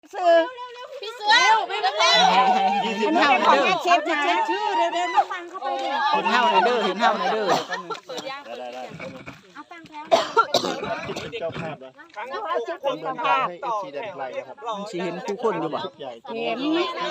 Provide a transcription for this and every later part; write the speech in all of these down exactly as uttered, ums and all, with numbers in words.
ซื้อพี่เสือไม่เป็นไรอันนี้ของแม่เชฟจะเช็คชื่อเดี๋ยวเดี๋ยวมาฟังเข้าไปดิเห็นเท่าในเด้อเห็นเท่าในเด้อได้ได้เอาฟังแล้วเป็นเจ้าภาพนะเอาเช็คเป็นเจ้าภาพให้เอฟซีแดนไพรนะครับมันสิเห็นคู่คนอยู่บ่ใหญ่เห็น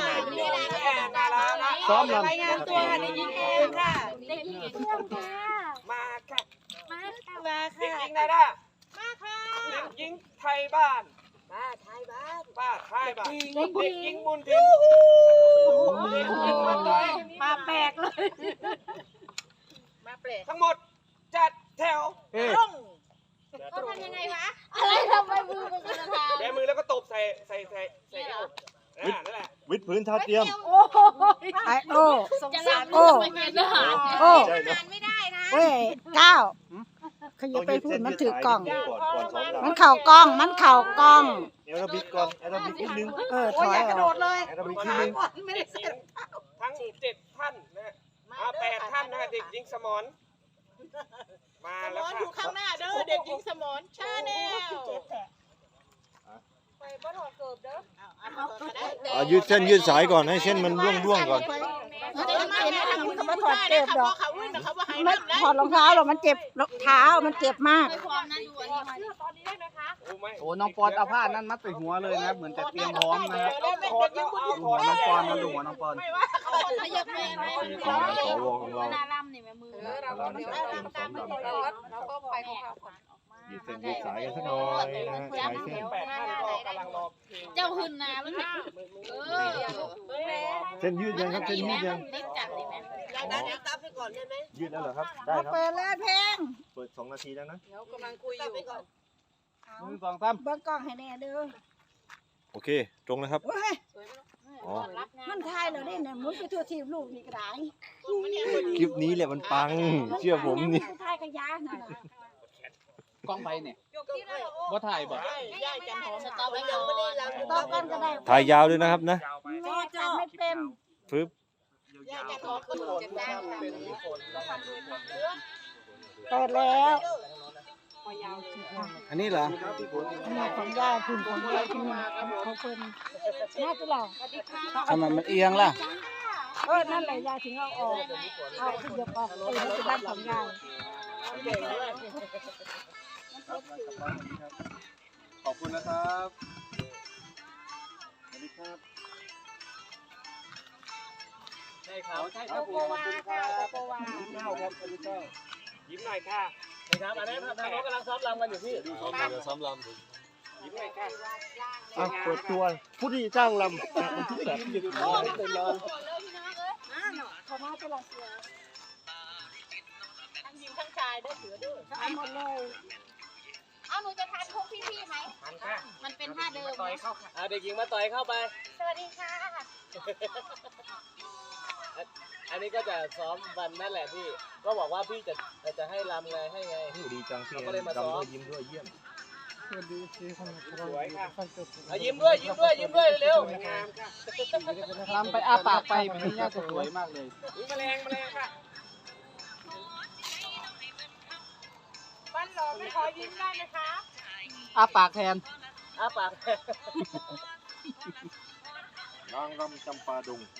ซ้อมลำรายงานตัวเด็กหญิงเองค่ะเด็กหญิงเพื่อนค่ะมาค่ะมาค่ะเด็กหญิงนาดามาค่ะเด็กหญิงไทยบ้านมาไทยบ้านป้าไทยบ้านเด็กเด็กหหญิญิงงบุญทินเด็กหญิงบุญทินมาแปลกเลยมาแปลกทั้งหมดจัดแถวต้องเขาทำยังไงวะอะไรทำไมมือมันกระทาแบมือแล้วก็ตบใส่ใส่ใส่ใส่เอวอ่านั่นแหละวิดพื้นเท้าเทียมโอ้ไอโอ้สงสารโอ้โอ้ใช่นะไม่ได้นะเว้ยก้าวขยับไปพูดมันถือกล่องก่อนก่อนซ้อมลำมันเข่ากล้อง มันเข่ากล้องแอโรบิกก่อนแอโรบิกนิดนึงเออถอยออกแอโรบิกนิดนึงทั้งเจ็ดท่านนะฮะอ่าแปดท่านนะฮะเด็กหญิงสมรมาแล้วค่ะอยู่ข้างหน้าเด้อเด็กหญิงสมรชาแนลอ่ายืดเส้นยืดสายก่อนให้เส้นมันร่วงร่วงก่อนเดี๋ยวมาเนี่ยทำคุณเขาพูดได้นะคะเพราะเขาวิ่งเขาว่าให้ไม่น้ำได้ถอดรองเท้าหรอกมันเจ็บรองเท้า มันเจ็บมากโอ้ไม่โอ้น้องปอนเอาผ้านั้นมัดใส่หัวเลยนะเหมือนจะเตรียมพร้อมนะครับถอดแล้วเอาถหัอวดน้แล้อวงปอนมาดูหัวน้องปอนไม่ว่าเขาขยับแม่ไหมของสวของเราเราก็ไปของเราก่อนยืดเส้นยืดสายกันสักหน่อยนะฮะสายเส้นแปดท่านก็กำลังรอเพลงเจ้าหืนนามันเออเส้นยืดยังครับเส้นยืดยังเล็กจัดเลยไหมอ๋อยืดแล้วเหรอครับได้ครับเปิดแล้วเพลงเปิดสองนาทีแล้วนะหนึ่งสองสามเบิ้งกล้องให้แน่เด้อโอเคตรงนะครับเว้ยอ๋อมันทายแล้วเนี่ยมุดไปทั่วทีมลูกนี่ก็ได้คลิปนี้แหละมันปังเชื่อผมนี่ทายกระยานั่นน่ะกล้องไปเนี่ยบ่ถ่ายบ่ย่าจันหอมสตอไว้ก่อนต่อกันก็ได้ถ่ายยาวด้วยนะครับนะแม่ทำไม่เป็นปึ๊บย่าจันหอมคือจะได้เปิดแล้วอันนี้เหรอขนาดของยายคุณของยายคุณของคนน่าจะหล่อทำไมมันเอียงล่ะเออนั่นแหละยายถึงเอาออกเอาขยับออกเออมันเป็นบ้านของยายขอบคุณนะครับสวัสดีครับใช่ครับใช่คโกรับโกวาค่ะโกโกวาเจ้าครับสวัสดีเจ้ายิ้มหน่อยค่ะครับอันนี้ทางน้องกำลังซ้อมรำกันอยู่พี่ซ้อมลำซ้อมลยิ้มหน่อยค่ะำอ่ะเปิดตัวผู้ที่จ้างลำอ่ะมันที่แบบยืดคอเต็มเลยเขามาตลอดเสือทั้งหญิงทั้งชายได้เสือด้วยเอาหมดเลยเอาหนูจะทานพวกพี่ๆไหมทันค่ะมันเป็นท่าเดิมต่อยเข้าค่ะอ่าเด็กหญิงมาต่อยเข้าไปสวัสดีค่ะอันนี้ก็จะซ้อมวันนั่นแหละพี่ ก็บอกว่าพี่จะจะให้รำไงให้ไงดีจังที่เราก็เลยมาซ้อมรำด้วยยิ้มด้วยเยี่ยมสวยค่ะอ่ะยิ้มด้วยยิ้มด้วยยิ้มด้วยเร็วสวยงามค่ะรำไปอ้าปากไปมันน่าจะสวยมากเลยอุ้ยแมลงแมลงค่ะบ้านหลอไม่ขอยิ้มได้นะคะอ้าปากแทนอ้าปากนางรำจำปาดง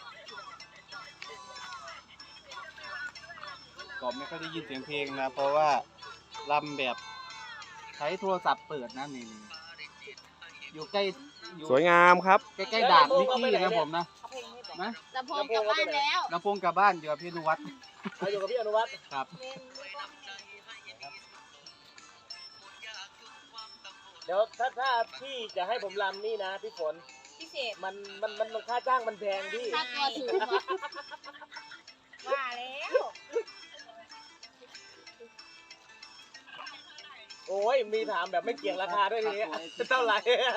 ก็ไม่ค่อยได้ยินเสียงเพลงนะ เพราะว่ารำแบบใช้โทรศัพท์เปิดนะนี่อยู่ใกล้อยู่สวยงามครับใกล้ๆด่านนิกกี้นะผมนะนะลำโพงกลับบ้านแล้วลำโพงกลับบ้านอยู่กับพี่อนุวัฒน์อยู่กับพี่อนุวัฒน์ครับเดี๋ยวถ้าถ้าพี่จะให้ผมรำนี่นะพี่ฝนพิเศษมันมันมันค่าจ้างมันแพงพี่ค่าตัวสูงว่าแล้วโอ้ยมีถามแบบไม่เกี่ยงราคาด้วยทีนี้เท่าไหร่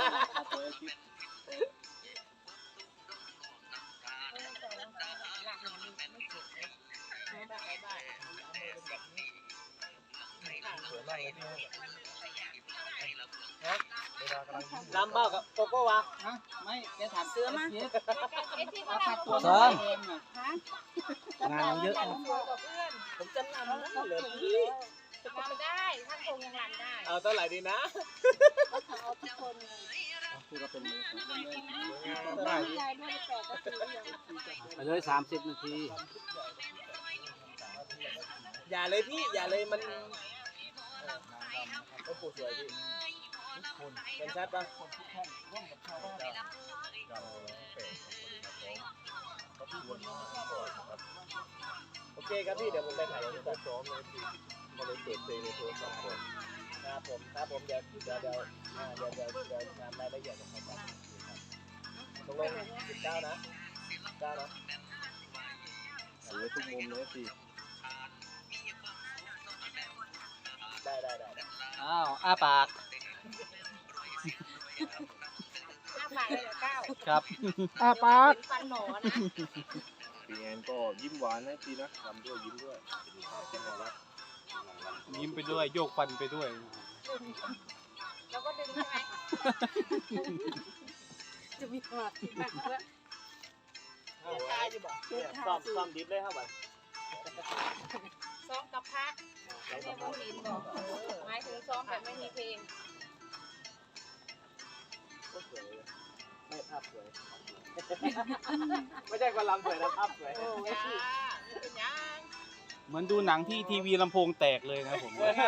ลำเบ้ากับโกโก้วะฮะไม่แกถามเสื้อมาเอ๊ะที่เขาค่าทำตัวตัวน้อยเองอ่ะงานเยอะนะผมจะลำนั่นเลยพี่ทำได้ท่านคงยังรำได้เอาเท่าไหร่ดีนะก็เขาเอาทุกคนเลยฮที่ก็เป็นมือไปเลยสามสิบนาทีอย่าเลยพี่อย่าเลยมันก็ปูสวยพี่เป็นชัดปะโอเคครับพี่เดี๋ยวผมไปถ่ายรูปซ้อมเลยพี่เขาเลยเปิดเพลงในโทรศัพท์ผมครับผมครับผมเดี๋ยวเดี๋ยวเดี๋ยวเดี๋ยวเดี๋ยวเดี๋ยวงานรายละเอียดของเขาตรงลงสิบเก้านะสิบเก้านะสวยทุกมุมเลยพี่ได้ได้ได้อ้าวอ้าปากห้าบาทเลยเหรอเก้าครับอ่ะปากฟันหนอนะปีแอนก็ยิ้มหวานนะพี่นะทำด้วยยิ้มด้วยยิ้มไปด้วยโยกฟันไปด้วยแล้วก็ดึงใช่ไหมจะมีความคิดมากว่าตายอยู่บ่ซ้อมซ้อมดิฟเลยครับบัดซ้อมกับพระเนี่ยผู้ลินบอกหมายถึงซ้อมแบบไม่มีเพลงไม่ภาพสวยไม่ใช่คนลำสวยนะภาพสวยจ้าไม่เป็นยังเหมือนดูหนังที่ทีวีลำโพงแตกเลยนะผม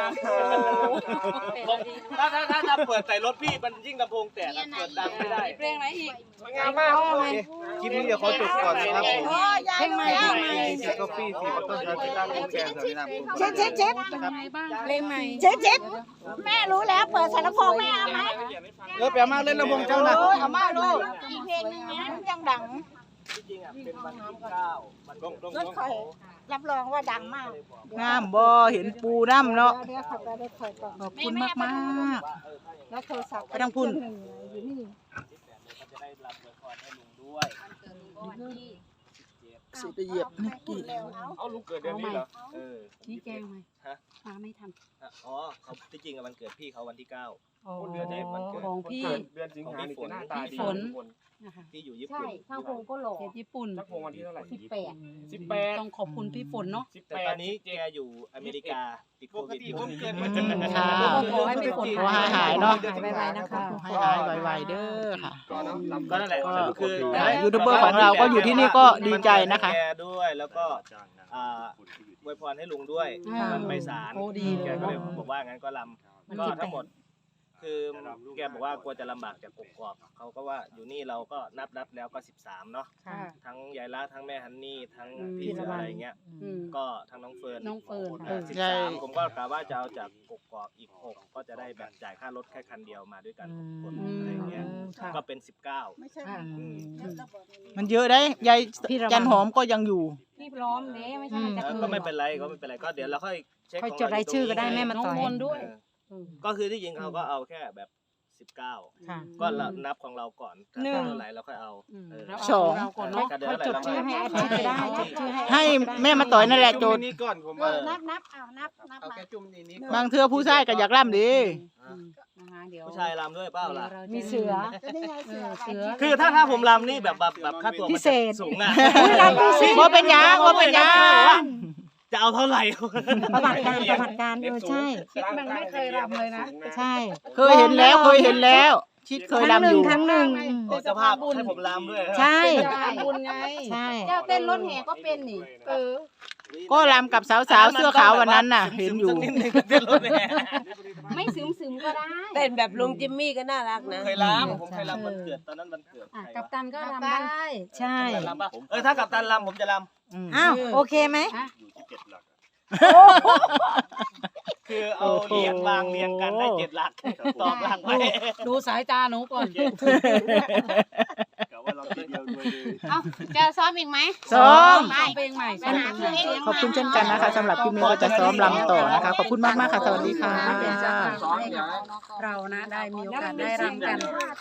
ถ้าถ้าถ้าถ้าเปิดใส่รถพี่มันยิ่งลำโพงแตกเปิดดังไม่ได้เพลงอะไรอีกสวยงามมากครับผมคลิปนี้เดี๋ยวขอจบก่อนนะครับผมเพลงใหม่เพลงใหม่เจก็ฟี่สีต้นชาติตั้งวงแกนสวัสดีครับเช็ดเช็ดเช็ดเพลงใหม่เช็ดเช็ดแม่รู้แล้วเปิดสารพงแม่เอาไหมเออแปลมาเล่นลำโพงเจ้านะเอามาลูกอีกเพลงนึงนะยังดังที่จริงอ่ะเป็นวันที่เก้ามันต้องต้องรถคอยรับรองว่าดังมากงามบ่เห็นปูน้ำเนาะเดี๋ยวขับไปได้คอยก่อนขอบคุณมากมากแล้วโทรศัพท์ไปทางพุ่นอยู่นี่มันจะได้รับเงินพรให้ลุงด้วยสิไปเหยียบนิกกี้เอาลุงเกิดเดือนนี้เหรอเออนี่แกงไหมฮะมาไม่ทันอ๋อเขาที่จริงวันเกิดพี่เขาวันที่เก้าอ๋อเดือนไหนวันเกิดของพี่เดือนสิงหาคมหน้าตาดีฝนที่อยู่ญี่ใช่ปุ่นทางพงก็หล่อเขตญี่ปุ่นจักรพงวันที่เท่าไหร่สิบแปดสิบแปดต้องขอบคุณพี่ฝนเนาะแต่ตอนนี้แกอยู่อเมริกาติดโควิดอยู่ค่ะขอให้พี่ฝนขอให้หายเนาะหายไวๆนะคะให้หายไวๆเด้อค่ะก็นั่นแหละคือยูทูบเบอร์ของเราก็อยู่ที่นี่ก็ดีใจนะคะแกด้วยแล้วก็อ่าอวยพรให้ลุงด้วยอ่ามันไปศาลโอ้ดีเลยแกก็เลยบอกว่างั้นก็ลมันำก็สิบแปดทั้งหมด คือแกบอกว่ากลัวจะลำบากจากกกอกเขาก็ว่าอยู่นี่เราก็นับนับแล้วก็สิบสามเนาะค่ะทั้งยายละทั้งแม่ฮันนี่ทั้งอืมพี่เสืออะไรเงี้ยอืมก็ทั้งน้องเฟิร์นน้องเฟิร์นอ่าสิบใช่สามผมก็กะว่าจะเอาจากกกอกอีกหกก็จะได้แบบจ่ายค่ารถแค่คันเดียวมาด้วยกันหกคนอืมอะไรเงี้ยค่ะก็เป็นสิบเก้าค่ะอืมมันเยอะได้ยายพี่ระวังจันหอมก็ยังอยู่พี่พร้อมเด้ไม่ใช่มันจะเออก็ไม่เป็นไรก็ไม่เป็นไรก็เดี๋ยวเราค่อยเช็คค่อยของจดรายชื่อก็ได้แม่มาน้องต่อยมนต์ด้วยเออก็คือที่จริงเขาก็เอาแค่แบบสิบเก้าค่ะก็เรานับของเราก่อนถ้าหนึ่งเท่าไหร่เราค่อยเอาอืมเออแล้วสองเาเราก่อนเนาะก็เดี๋ยวเท่าไหร่เราค่อยให้อาทิตย์ก็ได้จดชื่อให้ให้แม่มาต่อยนั่นแหละโจทย์นี่ก่อนผมเออนับนับเอานับนับเอามาแค่จุ่มนี้นี้บางเทื่อผู้ชายก็อยากร่ำดีนะคะเดี๋ยวผู้ชายรำด้วยเปล่าล่ะมีเสือจะได้ไงเสือเสือคือถ้าถ้าผมรำนี่แบบแบบแบบค่าตัวมันพิเศษสูงอ่ะว่าเป็นหยังว่าเป็นหยังจะเอาเท่าไหร่ประวัติการประวัติการเออใช่คิดมันไม่เคยรำเลยนะใช่ เคยเห็นแล้วเคยเห็นแล้ว ชิดเคยรำอยู่ครั้งหนึ่งโอ้เจ้าภาพให้ผมรำด้วยใช่เจ้าบุญไงใช่เจ้าเต้นรถแห่ก็เป็นนี่เออก็รำกับสาวๆเสื้อขาววันนั้นน่ะ เห็นอยู่สักนิดนึงเต้นรถแห่ไม่ซึมซึมก็ได้เต้นแบบลุงจิมมี่ก็น่ารักนะเคยรำผมเคยรำวันเกิดตอนนั้นวันเกิดอ่ะใครกัปวะตันก็รำได้ใช่รำป่ะเออถ้ากับตันรำผมจะรอืมอ้าวโอเคไหมำคือเอาเหรียญวางเรียงกันได้เจ็ดหลักตอบหลักไปดูสายตาหนูก่อนกะว่าเราทีเดียวด้วยเลยเอ้าจะซ้อมอีกไหมซ้อมไปเพลงใหม่ไปหาเพลงขอบคุณเช่นกันนะคะสำหรับคลิปนี้ก็จะซ้อมรำต่อนะคะ ขอบคุณมากๆค่ะ สวัสดีค่ะเรานะได้มีโอกาสได้รำกัน